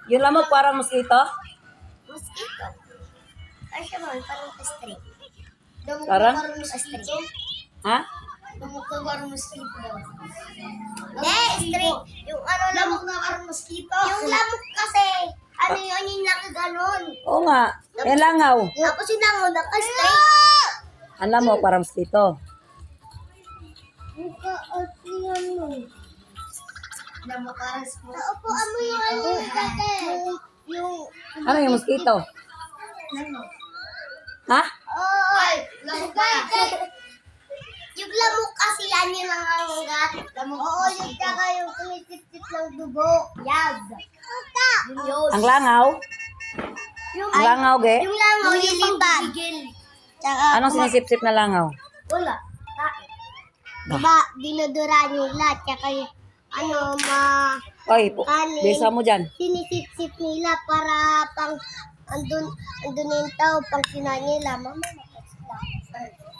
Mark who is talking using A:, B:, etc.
A: Yung lamok parang mosquito?
B: Mosquito. Ay, siya man, parang string. Damok
A: Parang?
B: na parang mosquito.
A: Ha?
B: Damok na parang mosquito. Hindi, string. Yung ano, lamok na parang mosquito. Yung lamok kasi, ano yun, yung nakaganon.
A: Oo nga. Yan langaw.
B: Tapos yung langaw, naka-string.
A: Ang lamok parang mosquito.
B: Naka-atlingan mo. Lamok parang mosquito. Naupuan mo yung ano, kate. Yung...
A: Ano yung mosquito? Ha?
B: Ay, lamok ba? Yung lamok kasi yan yung nangangagat. Lamok. Oo, yung tsaka yung tumitip-tip ng dugo. Yag. Yun yun.
A: Ang langaw?
B: Yung,
A: Ang langaw, ge?
B: yung langaw, yung pagpigil. Tsaka,
A: Anong sinisip-sip na langaw?
B: wala. Diba, dinudura nila. Tsaka yung, ano,
A: Oy,
B: kanin.
A: bisa mo dyan.
B: Sinisip-sip nila para pang, andun yung tao, pang kinain nila. Mama,